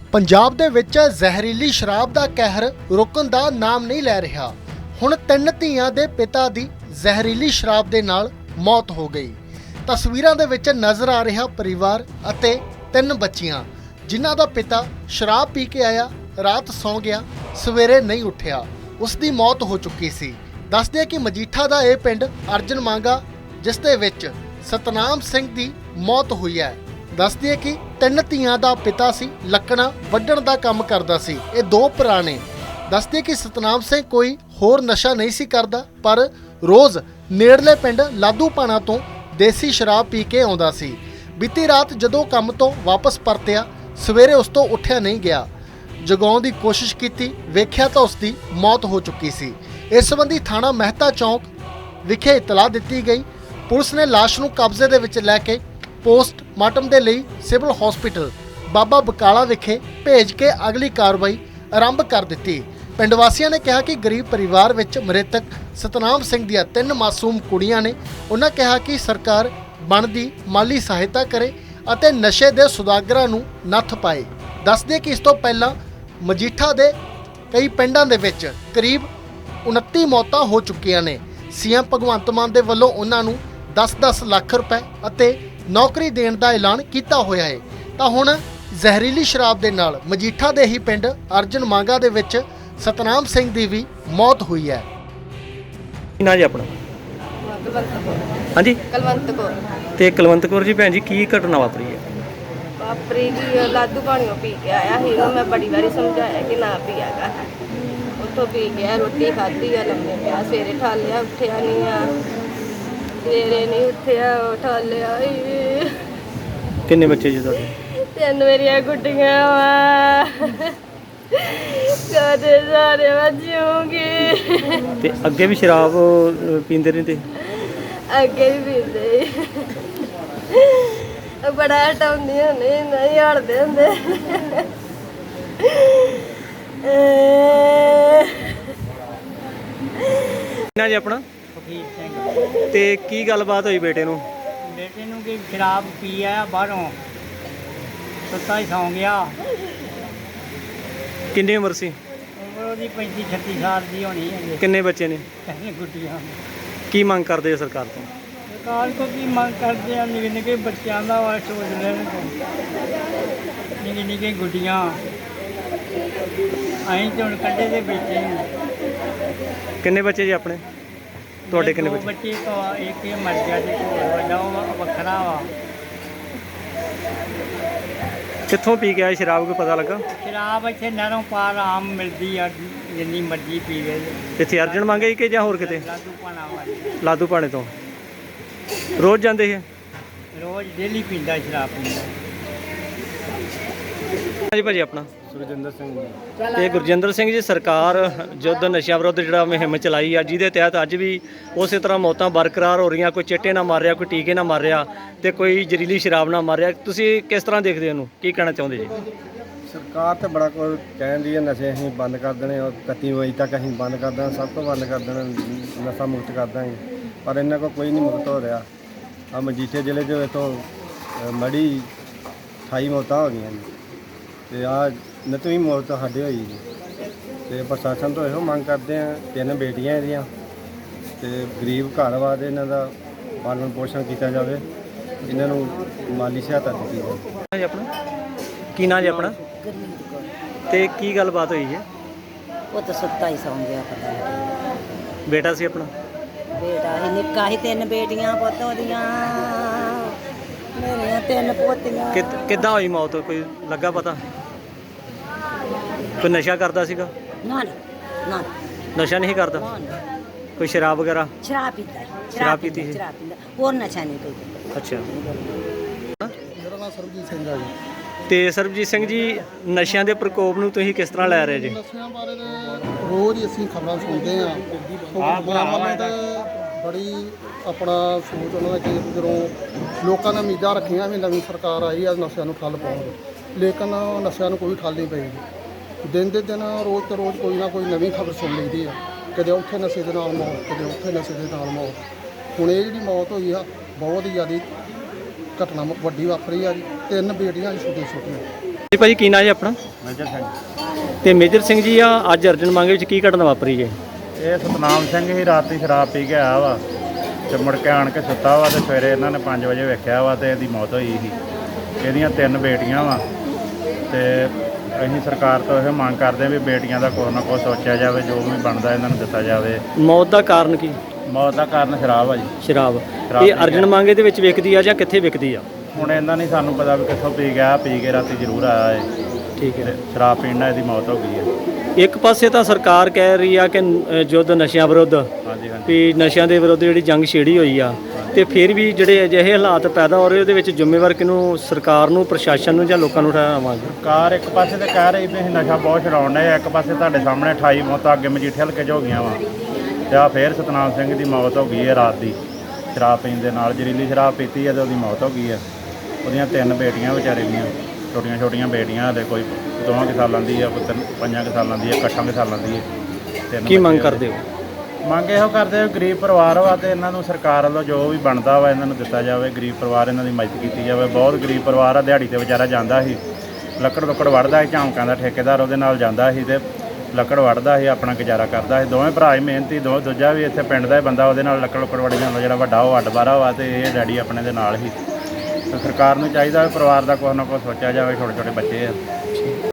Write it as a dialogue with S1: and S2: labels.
S1: ਪੰਜਾਬ ਦੇ ਵਿੱਚ ਜ਼ਹਿਰੀਲੀ ਸ਼ਰਾਬ ਦਾ ਕਹਿਰ ਰੁਕਣ ਦਾ ਨਾਮ ਨਹੀਂ ਲੈ ਰਿਹਾ। ਹੁਣ 3 ਧੀਆਂ ਦੇ ਪਿਤਾ ਦੀ ਜ਼ਹਿਰੀਲੀ ਸ਼ਰਾਬ ਦੇ ਨਾਲ ਮੌਤ ਹੋ ਗਈ। ਤਸਵੀਰਾਂ ਦੇ ਵਿੱਚ ਨਜ਼ਰ ਆ ਰਿਹਾ ਪਰਿਵਾਰ ਅਤੇ 3 ਬੱਚੀਆਂ ਜਿਨ੍ਹਾਂ ਦਾ ਪਿਤਾ ਸ਼ਰਾਬ ਪੀ ਕੇ ਆਇਆ, ਰਾਤ ਸੌਂ ਗਿਆ, ਸਵੇਰੇ ਨਹੀਂ ਉੱਠਿਆ। ਉਸ ਦੀ ਮੌਤ ਹੋ ਚੁੱਕੀ ਸੀ। ਦੱਸਦੇ ਕਿ ਮਜੀਠਾ ਦਾ ਇਹ ਪਿੰਡ ਅਰਜਨ ਮੰਗਾ ਜਿਸ ਦੇ ਵਿੱਚ ਸਤਨਾਮ ਸਿੰਘ ਦੀ ਮੌਤ ਹੋਈ ਹੈ। ਦੱਸਦੇ ਕਿ 3 ਧੀਆਂ ਦਾ ਪਿਤਾ ਸੀ, ਲੱਕੜਾਂ ਵੱਢਣ ਦਾ ਕੰਮ ਕਰਦਾ ਸੀ। ਇਹ 2 ਭਰਾ ਨੇ। ਦੱਸਦੇ ਕਿ ਸਤਨਾਮ ਸਿੰਘ ਕੋਈ ਹੋਰ ਨਸ਼ਾ ਨਹੀਂ ਸੀ ਕਰਦਾ, ਪਰ ਰੋਜ਼ ਨੇੜਲੇ ਪਿੰਡ ਲਾਧੂਪਾਣਾ ਤੋਂ ਦੇਸੀ ਸ਼ਰਾਬ ਪੀ ਕੇ ਆਉਂਦਾ ਸੀ। ਬੀਤੀ ਰਾਤ ਜਦੋਂ ਕੰਮ ਤੋਂ ਵਾਪਸ ਪਰਤਿਆ, ਸਵੇਰੇ ਉਸ ਤੋਂ ਉੱਠਿਆ ਨਹੀਂ ਗਿਆ। ਜਗਾਉਣ ਦੀ ਕੋਸ਼ਿਸ਼ ਕੀਤੀ, ਵੇਖਿਆ ਤਾਂ ਉਸ ਦੀ ਮੌਤ ਹੋ ਚੁੱਕੀ ਸੀ। ਇਸ ਸੰਬੰਧੀ ਥਾਣਾ ਮਹਿਤਾ ਚੌਂਕ ਵਿਖੇ ਇਤਲਾਹ ਦਿੱਤੀ ਗਈ। ਪੁਲਿਸ ਨੇ ਲਾਸ਼ ਨੂੰ ਕਬਜ਼ੇ ਦੇ ਵਿੱਚ ਲੈ ਕੇ ਪੋਸਟਮਾਰਟਮ ਦੇ ਲਈ ਸਿਵਲ ਹਸਪੀਟਲ ਬਾਬਾ ਬਕਾਲਾ ਵਿਖੇ ਭੇਜ ਕੇ ਅਗਲੀ ਕਾਰਵਾਈ ਆਰੰਭ ਕਰ ਦਿੱਤੀ। ਪਿੰਡ ਵਾਸੀਆਂ ਨੇ ਕਿਹਾ ਕਿ ਗਰੀਬ ਪਰਿਵਾਰ ਵਿੱਚ ਮ੍ਰਿਤਕ ਸਤਨਾਮ ਸਿੰਘ ਦੀਆਂ 3 ਮਾਸੂਮ ਕੁੜੀਆਂ ਨੇ। ਉਹਨਾਂ ਕਿਹਾ ਕਿ ਸਰਕਾਰ ਬਣਦੀ ਮਾਲੀ ਸਹਾਇਤਾ ਕਰੇ ਅਤੇ ਨਸ਼ੇ ਦੇ ਸੁਦਾਗਰਾਂ ਨੂੰ ਨੱਥ ਪਾਏ। ਦੱਸਦੇ ਕਿ ਇਸ ਤੋਂ ਪਹਿਲਾਂ ਮਜੀਠਾ ਦੇ ਕਈ ਪਿੰਡਾਂ ਦੇ ਵਿੱਚ ਕਰੀਬ 29 ਮੌਤਾਂ ਹੋ ਚੁੱਕੀਆਂ ਨੇ। ਸੀਐਮ ਭਗਵੰਤ ਮਾਨ ਦੇ ਵੱਲੋਂ ਉਹਨਾਂ ਨੂੰ 10-10 ਲੱਖ ਰੁਪਏ ਅਤੇ ਨੌਕਰੀ ਦੇਣ ਦਾ ਐਲਾਨ ਕੀਤਾ ਹੋਇਆ ਹੈ। ਤਾਂ ਹੁਣ ਜ਼ਹਿਰੀਲੀ ਸ਼ਰਾਬ ਦੇ ਨਾਲ ਮਜੀਠਾ ਦੇ ਹੀ ਪਿੰਡ ਅਰਜਨ ਮੰਗਾ ਦੇ ਵਿੱਚ ਸਤਨਾਮ ਸਿੰਘ ਦੀ ਵੀ ਮੌਤ ਹੋਈ ਹੈ।
S2: ਕੀ ਨਾਂ ਜੀ ਆਪਣਾ?
S3: ਕੁਲਵੰਤ ਕੌਰ।
S2: ਹਾਂਜੀ,
S3: ਕੁਲਵੰਤ ਕੌਰ।
S2: ਤੇ ਕੁਲਵੰਤ ਕੌਰ ਜੀ ਭੈਣ ਜੀ, ਕੀ ਘਟਨਾ ਵਾਪਰੀ ਹੈ?
S3: ਵਾਪਰੀ ਜੀ ਲਾਧੂ ਪਾਣੀਓ ਪੀ ਕੇ ਆਇਆ ਸੀ। ਉਹਨੂੰ ਮੈਂ ਬੜੀ ਵਾਰੀ ਸਮਝਾਇਆ ਕਿ ਨਾ ਪੀਆਗਾ। ਉੱਥੋਂ ਪੀ ਗਿਆ, ਰੋਟੀ ਖਾਧੀ ਆ, ਲੰਮੇ ਪਿਆ। ਸਵੇਰੇ ਠਾਲਿਆ, ਉੱਠਿਆ ਨਹੀਂ ਆ। ਸਵੇਰੇ ਨਹੀਂ ਉੱਠਿਆ, ਠਾਲਿਆ।
S2: ਕਿੰਨੇ ਬੱਚੇ ਜੀ ਤੁਹਾਡੇ?
S3: 3 ਮੇਰੀਆਂ ਗੁੱਡੀਆਂ ਵਾ। ਕਦੇ ਸਾਰੇ ਵਜੂਗੀ।
S2: ਤੇ ਅੱਗੇ ਵੀ ਸ਼ਰਾਬ ਪੀਂਦੇ ਰਹਿੰਦੇ?
S3: ਅੱਗੇ ਵੀ ਪੀਂਦੇ। ਬੜਾ ਹਟਾਉਂਦੀਆਂ ਨਹੀਂ ਹਟਦੇ ਹੁੰਦੇ।
S2: ਨਾ ਜੀ ਆਪਣਾ?
S4: ਫਕੀਰ ਸਿੰਘ।
S2: ਤੇ ਕੀ ਗੱਲਬਾਤ ਹੋਈ ਬੇਟੇ ਨੂੰ?
S4: ਬੇਟੇ ਨੂੰ ਕਿ ਸ਼ਰਾਬ ਪੀ ਆਇਆ ਬਾਹਰੋਂ, ਸੁੱਤਾ ਹੀ ਸੌਂ ਗਿਆ।
S2: ਕਿੰਨੀ ਉਮਰ ਸੀ?
S4: ਉਮਰ ਉਹਦੀ 35-36 ਸਾਲ ਦੀ ਹੋਣੀ ਹੈ।
S2: ਕਿੰਨੇ ਬੱਚੇ ਨੇ?
S4: ਕਹਿੰਦੇ ਗੁੱਡੀਆਂ।
S2: ਕੀ ਮੰਗ ਕਰਦੇ ਆ ਸਰਕਾਰ ਤੋਂ?
S4: ਸਰਕਾਰ ਕੋਲ ਕੀ ਮੰਗ ਕਰਦੇ ਆ? ਨਿੱਕੇ ਨਿੱਕੇ ਬੱਚਿਆਂ ਦਾ ਵਾ ਸੋਚ ਲੈਣ। ਨਿੱਕੇ ਨਿੱਕੇ ਗੁੱਡੀਆਂ ਅਸੀਂ ਤਾਂ ਹੁਣ ਕੱਢੇ ਦੇ ਬੇਚੇ ਨੇ।
S2: ਕਿੰਨੇ ਬੱਚੇ ਜੀ ਆਪਣੇ? ਤੁਹਾਡੇ ਕਿੰਨੇ
S4: 2
S2: ਬੱਚੇ?
S4: ਬੱਚੇ ਤੋਂ ਇੱਕ ਇਹ ਮਰ ਗਿਆ ਤੇ ਵੱਡਾ ਉਹ ਵੱਖਰਾ ਵਾ।
S2: ਕਿੱਥੋਂ ਪੀ ਕੇ ਆਏ ਸ਼ਰਾਬ, ਕੋਈ ਪਤਾ ਲੱਗਾ?
S4: ਸ਼ਰਾਬ ਇੱਥੇ ਨਹਿਰੋਂ ਪਾਰ ਆਮ ਮਿਲਦੀ ਆ, ਜਿੰਨੀ ਮਰਜ਼ੀ ਪੀ ਗਏ।
S2: ਇੱਥੇ ਅਰਜਨ ਮੰਗੇ ਕਿ ਜਾਂ ਹੋਰ ਕਿਤੇ?
S4: ਲਾਧੂ ਪਾਣਾ ਵਾਲੀ
S2: ਲਾਧੂ ਪਾਣੇ ਤੋਂ ਰੋਜ਼ ਜਾਂਦੇ ਹੈ?
S4: ਰੋਜ਼ ਡੇਲੀ ਪੀਂਦਾ, ਸ਼ਰਾਬ ਪੀਂਦਾ।
S2: ਹਾਂਜੀ ਭਾਜੀ, ਆਪਣਾ?
S5: ਸੁਰਜਿੰਦਰ ਸਿੰਘ ਜੀ।
S2: ਤੇ ਗੁਰਜਿੰਦਰ ਸਿੰਘ ਜੀ, ਸਰਕਾਰ ਯੁੱਧ ਨਸ਼ਿਆਂ ਵਿਰੁੱਧ ਜਿਹੜਾ ਮੁਹਿੰਮ ਚਲਾਈ ਆ, ਜਿਹਦੇ ਤਹਿਤ ਅੱਜ ਵੀ ਉਸੇ ਤਰ੍ਹਾਂ ਮੌਤਾਂ ਬਰਕਰਾਰ ਹੋ ਰਹੀਆਂ। ਕੋਈ ਚਿੱਟੇ ਨਾਲ ਮਾਰ ਰਿਹਾ, ਕੋਈ ਟੀਕੇ ਨਾਲ ਮਾਰ ਰਿਹਾ, ਤੇ ਕੋਈ ਜ਼ਹਿਰੀਲੀ ਸ਼ਰਾਬ ਨਾਲ ਮਾਰ ਰਿਹਾ। ਤੁਸੀਂ ਕਿਸ ਤਰ੍ਹਾਂ ਦੇਖਦੇ ਹੋ ਇਹਨੂੰ? ਕੀ ਕਹਿਣਾ ਚਾਹੁੰਦੇ ਜੀ?
S5: ਸਰਕਾਰ ਤੇ ਬੜਾ ਕੁਝ ਕਹਿੰਦੀ ਹੈ, ਨਸ਼ੇ ਅਸੀਂ ਬੰਦ ਕਰ ਦੇਣੇ, ਔਰ 31 ਮਈ ਤੱਕ ਅਸੀਂ ਬੰਦ ਕਰ ਦੇਣਾ, ਸਭ ਤੋਂ ਬੰਦ ਕਰ ਦੇਣਾ, ਨਸ਼ਾ ਮੁਕਤ ਕਰ ਦਾਂਗੇ। ਪਰ ਇਹਨਾਂ ਕੋਲ ਕੋਈ ਨਹੀਂ ਮੁਕਤ ਹੋ ਰਿਹਾ। ਆ ਮਜੀਠੇ ਜ਼ਿਲ੍ਹੇ 'ਚ ਇਥੋਂ ਮੜੀ 28 ਮੌਤਾਂ ਹੋ ਗਈਆਂ ਜੀ, ਤੇ ਆ 29ਵੀਂ ਮੌਤ ਸਾਡੇ ਹੋਈ ਜੀ। ਤੇ ਪ੍ਰਸ਼ਾਸਨ ਤੋਂ ਇਹੋ ਮੰਗ ਕਰਦੇ ਆ, 3 ਬੇਟੀਆਂ ਇਹਦੀਆਂ, ਤੇ ਗਰੀਬ ਘਰ ਵਾ ਦੇ ਇਹਨਾਂ ਦਾ ਪਾਲਣ ਪੋਸ਼ਣ ਕੀਤਾ ਜਾਵੇ, ਇਹਨਾਂ ਨੂੰ ਮਾਲੀ ਸਹਾਇਤਾ ਦਿੱਤੀ ਜਾਵੇ।
S2: ਜੀ ਆਪਣਾ? ਕੀ ਨਾਂ ਜੀ ਆਪਣਾ?
S6: ਗੁਰਮੀਤ ਕੌਰ।
S2: ਤੇ ਕੀ ਗੱਲਬਾਤ ਹੋਈ ਹੈ?
S6: ਉਹ ਤਾਂ ਸੁੱਤਾ ਹੀ ਸੌਂ ਗਿਆ, ਪਤਾ ਨਹੀਂ।
S2: ਬੇਟਾ ਸੀ ਆਪਣਾ?
S6: ਬੇਟਾ ਹੀ ਨਿੱਕਾ ਹੀ, 3 ਬੇਟੀਆਂ ਪੁੱਤ ਉਹਦੀਆਂ, ਮੇਰੀਆਂ 3 ਪੋਤੀਆਂ।
S2: ਕਿੱਦਾਂ ਹੋਈ ਮੌਤ, ਕੋਈ ਲੱਗਾ ਪਤਾ? ਕੋਈ ਨਸ਼ਾ ਕਰਦਾ ਸੀਗਾ?
S6: ਨਾ ਨਾ
S2: ਨਸ਼ਾ ਨਹੀਂ ਕਰਦਾ?
S6: ਨਾ।
S2: ਕੋਈ ਸ਼ਰਾਬ ਵਗੈਰਾ?
S6: ਸ਼ਰਾਬ ਪੀਤਾ ਹੈ।
S2: ਸ਼ਰਾਬ ਪੀਤੀ ਸੀ?
S6: ਸ਼ਰਾਬ ਪੀਂਦਾ, ਹੋਰ ਨਸ਼ਾ ਨਹੀਂ ਕੋਈ।
S2: ਅੱਛਾ।
S1: ਮੇਰਾ ਨਾਮ ਸਰਬਜੀਤ ਸਿੰਘ ਹੈ ਜੀ।
S2: ਤੇ ਸਰਬਜੀਤ ਸਿੰਘ ਜੀ, ਨਸ਼ਿਆਂ ਦੇ ਪ੍ਰਕੋਪ ਨੂੰ ਤੁਸੀਂ ਕਿਸ ਤਰ੍ਹਾਂ ਲੈ ਰਹੇ ਜੀ?
S1: ਨਸ਼ਿਆਂ ਬਾਰੇ ਤਾਂ ਰੋਜ਼ ਹੀ ਅਸੀਂ ਖਬਰਾਂ ਸੁਣਦੇ ਹਾਂ। ਵੱਲੋਂ ਤਾਂ ਬੜੀ ਆਪਣਾ ਸੋਚ ਉਹਨਾਂ ਦਾ ਕਿ ਜਦੋਂ ਲੋਕਾਂ ਨੇ ਉਮੀਦਾਂ ਰੱਖੀਆਂ ਵੀ ਨਵੀਂ ਸਰਕਾਰ ਆਈ ਆ ਨਸ਼ਿਆਂ ਨੂੰ ਠੱਲ ਪਾਉਣਗੇ, ਲੇਕਿਨ ਨਸ਼ਿਆਂ ਨੂੰ ਕੋਈ ਠੱਲ ਨਹੀਂ ਪਈ। ਦਿਨ ਦੇ ਦਿਨ ਰੋਜ਼ ਤੇ ਰੋਜ਼ ਕੋਈ ਨਾ ਕੋਈ ਨਵੀਂ ਖਬਰ ਸੁਣ ਲਈਦੀ ਆ। ਕਦੇ ਉੱਥੇ ਨਸ਼ੇ ਦੇ ਨਾਲ ਮੌਤ, ਕਦੇ ਉੱਥੇ ਨਸ਼ੇ ਦੇ ਨਾਲ ਮੌਤ। ਹੁਣ ਇਹ ਜਿਹੜੀ ਮੌਤ ਹੋਈ ਆ ਬਹੁਤ ਹੀ ਜ਼ਿਆਦਾ ਘਟਨਾ ਵੱਡੀ ਵਾਪਰੀ ਆ ਜੀ। 3 ਬੇਟੀਆਂ ਛੋਟੀਆਂ ਛੋਟੀਆਂ।
S2: ਜੀ ਭਾਜੀ, ਕੀ ਨਾਂ ਜੀ ਆਪਣਾ?
S5: ਮੇਜਰ ਸਿੰਘ।
S2: ਤੇ ਮੇਜਰ ਸਿੰਘ ਜੀ ਆ ਅੱਜ ਅਰਜਨ ਮੰਗੇ ਵਿੱਚ ਕੀ ਘਟਨਾ ਵਾਪਰੀ ਜੇ?
S5: ਇਹ ਸਤਨਾਮ ਸਿੰਘ ਹੀ ਰਾਤੀ ਸ਼ਰਾਬ ਪੀ ਕੇ ਆਇਆ ਵਾ ਤੇ ਮੁੜ ਕੇ ਆਣ ਕੇ ਸੁੱਤਾ ਵਾ ਤੇ ਸਵੇਰੇ ਇਹਨਾਂ ਨੇ 5 ਵਜੇ ਵੇਖਿਆ ਵਾ ਤੇ ਇਹਦੀ ਮੌਤ ਹੋਈ ਸੀ। ਇਹਦੀਆਂ 3 ਬੇਟੀਆਂ ਵਾ ਤੇ ਅਸੀਂ ਸਰਕਾਰ ਤੋਂ ਇਹ ਮੰਗ ਕਰਦੇ ਹਾਂ ਵੀ ਬੇਟੀਆਂ ਦਾ ਕੁਛ ਨਾ ਕੁਛ ਸੋਚਿਆ ਜਾਵੇ, ਜੋ ਵੀ ਬਣਦਾ ਇਹਨਾਂ ਨੂੰ ਦਿੱਤਾ ਜਾਵੇ।
S2: ਮੌਤ ਦਾ ਕਾਰਨ ਕੀ?
S5: ਮੌਤ ਦਾ ਕਾਰਨ ਸ਼ਰਾਬ ਆ ਜੀ।
S2: ਸ਼ਰਾਬ।
S5: ਸ਼ਰਾਬ
S2: ਇਹ
S5: ਪੀ
S2: ਅਰਜਨ
S5: ਗਿਆ।
S2: ਮੰਗੇ ਦੇ ਵਿੱਚ ਵਿਕਦੀ ਆ ਜਾਂ ਕਿੱਥੇ ਵਿਕਦੀ ਆ?
S5: ਹੁਣ ਇਹਨਾਂ ਨਹੀਂ ਸਾਨੂੰ ਪਤਾ ਵੀ ਕਿੱਥੋਂ ਪੀ ਗਿਆ, ਪੀ ਕੇ ਰਾਤੀ ਜ਼ਰੂਰ ਆਇਆ ਏ
S2: ਠੀਕ ਹੈ।
S5: ਤੇ ਸ਼ਰਾਬ ਪੀਣ ਨਾਲ ਇਹਦੀ ਮੌਤ ਹੋ ਗਈ ਹੈ।
S2: ਇੱਕ ਪਾਸੇ ਤਾਂ ਸਰਕਾਰ ਕਹਿ ਰਹੀ ਆ ਕਿ ਯੁੱਧ ਨਸ਼ਿਆਂ ਵਿਰੁੱਧ,
S5: ਹਾਂਜੀ ਹਾਂਜੀ।
S2: ਵੀ ਨਸ਼ਿਆਂ ਦੇ ਵਿਰੁੱਧ ਜਿਹੜੀ ਜੰਗ ਛੇੜੀ ਹੋਈ ਆ, ਤੇ ਫਿਰ ਵੀ ਜਿਹੜੇ ਅਜਿਹੇ ਹਾਲਾਤ ਪੈਦਾ ਹੋ ਰਹੇ ਉਹਦੇ ਵਿੱਚ ਜ਼ਿੰਮੇਵਾਰ ਕਿਹਨੂੰ? ਸਰਕਾਰ ਨੂੰ, ਪ੍ਰਸ਼ਾਸਨ ਨੂੰ ਜਾਂ ਲੋਕਾਂ ਨੂੰ ਠਹਿਰਾਵਾਂਗੇ?
S5: ਸਰਕਾਰ ਇੱਕ ਪਾਸੇ ਤੇ ਕਹਿ ਰਹੀ ਵੀ ਅਸੀਂ ਨਸ਼ਾ ਬਹੁਤ ਛਡਾਉਣ ਡਏ ਆ, ਇੱਕ ਪਾਸੇ ਤੁਹਾਡੇ ਸਾਹਮਣੇ 28 ਮੌਤਾਂ ਅੱਗੇ ਮਜੀਠੇ ਹਲਕੇ 'ਚ ਹੋ ਗਈਆਂ ਵਾ ਤੇ ਆ ਫੇਰ ਸਤਨਾਮ ਸਿੰਘ ਦੀ ਮੌਤ ਹੋ ਗਈ ਹੈ ਰਾਤ ਦੀ ਸ਼ਰਾਬ ਪੀਣ ਦੇ ਨਾਲ। ਜ਼ਹਿਰੀਲੀ ਸ਼ਰਾਬ ਪੀਤੀ ਹੈ ਤੇ ਉਹਦੀ ਮੌਤ ਹੋ ਗਈ ਹੈ। ਉਹਦੀਆਂ 3 ਬੇਟੀਆਂ ਵਿਚਾਰੇ ਦੀਆਂ, ਛੋਟੀਆਂ ਛੋਟੀਆਂ ਬੇਟੀਆਂ, ਹਲੇ ਕੋਈ 2 ਸਾਲਾਂ ਦੀ ਹੈ, ਕੋਈ 5 ਸਾਲਾਂ ਦੀ ਹੈ, 8 ਸਾਲਾਂ ਦੀ ਹੈ। 3
S2: ਕੀ ਮੰਗ
S5: ਬੱਚੇ
S2: ਕਰਦੇ ਹੋ?
S5: ਮੰਗ ਇਹੋ ਕਰਦੇ ਵੀ ਗਰੀਬ ਪਰਿਵਾਰ ਵਾ ਤੇ ਇਹਨਾਂ ਨੂੰ ਸਰਕਾਰ ਵੱਲੋਂ ਜੋ ਵੀ ਬਣਦਾ ਵਾ ਇਹਨਾਂ ਨੂੰ ਦਿੱਤਾ ਜਾਵੇ। ਗਰੀਬ ਪਰਿਵਾਰ ਇਹਨਾਂ ਦੀ ਮਦਦ ਕੀਤੀ ਜਾਵੇ। ਬਹੁਤ ਗਰੀਬ ਪਰਿਵਾਰ ਆ, ਦਿਹਾੜੀ ਤੇ ਵਿਚਾਰਾ ਜਾਂਦਾ ਸੀ, ਲੱਕੜ ਵੜਦਾ ਸੀ, ਝਾਂਕਾਂ ਦਾ ਠੇਕੇਦਾਰ ਉਹਦੇ ਨਾਲ ਜਾਂਦਾ ਸੀ ਤੇ ਲੱਕੜ ਵੜਦਾ ਸੀ, ਆਪਣਾ ਗੁਜ਼ਾਰਾ ਕਰਦਾ ਸੀ। ਦੋਵੇਂ ਭਰਾ ਹੀ ਮਿਹਨਤੀ, ਦੂਜਾ ਵੀ ਇੱਥੇ ਪਿੰਡ ਦਾ ਹੀ ਬੰਦਾ, ਉਹਦੇ ਨਾਲ ਲੱਕੜ ਵੜੀ ਜਾਂਦਾ। ਜਿਹੜਾ ਵੱਡਾ ਉਹ ਅੱਡ ਬਾਰਾ ਵਾ ਤੇ ਇਹ ਡੈਡੀ ਆਪਣੇ ਦੇ ਨਾਲ ਹੀ। ਤੇ ਸਰਕਾਰ ਨੂੰ ਚਾਹੀਦਾ ਵੀ ਪਰਿਵਾਰ ਦਾ ਕੁਛ ਨਾ ਕੁਛ ਸੋਚਿਆ ਜਾਵੇ, ਛੋਟੇ ਛੋਟੇ ਬੱਚੇ ਆ।